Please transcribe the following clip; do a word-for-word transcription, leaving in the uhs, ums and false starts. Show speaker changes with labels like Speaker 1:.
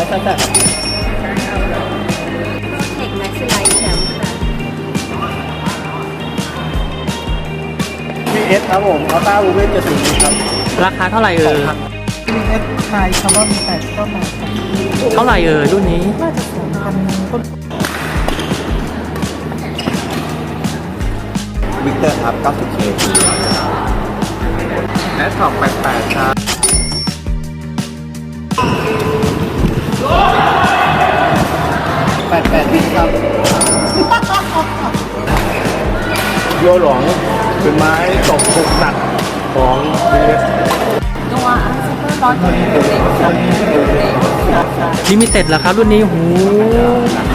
Speaker 1: แซ่บ
Speaker 2: เทคแม็กซ์ไลท์แชมป์ค่ะ
Speaker 1: พีเอสครับผมอัลต้าวูเวนเจ็ดสิบครับ
Speaker 3: ราคาเท่าไหร่เอ่ย
Speaker 4: พีเอสไฮคาร์บอนแปดก็มาครับ
Speaker 3: เท่าไหร่เอ่ยรุ่นนี้
Speaker 4: น่าจะสองพันต้น
Speaker 1: วิกเตอร์ครับเก้าสิบเคแอสท็อปแปดแปดครับแปดแปดวิครับโยหลงเป็นไม้ตกถูกตัดของพีเอส
Speaker 2: ตัวอันซูเปอร์ร้อยตัวเล็ก
Speaker 3: ลิมิเต็ดเหรอครับรุ่นนี้หู
Speaker 1: หนัง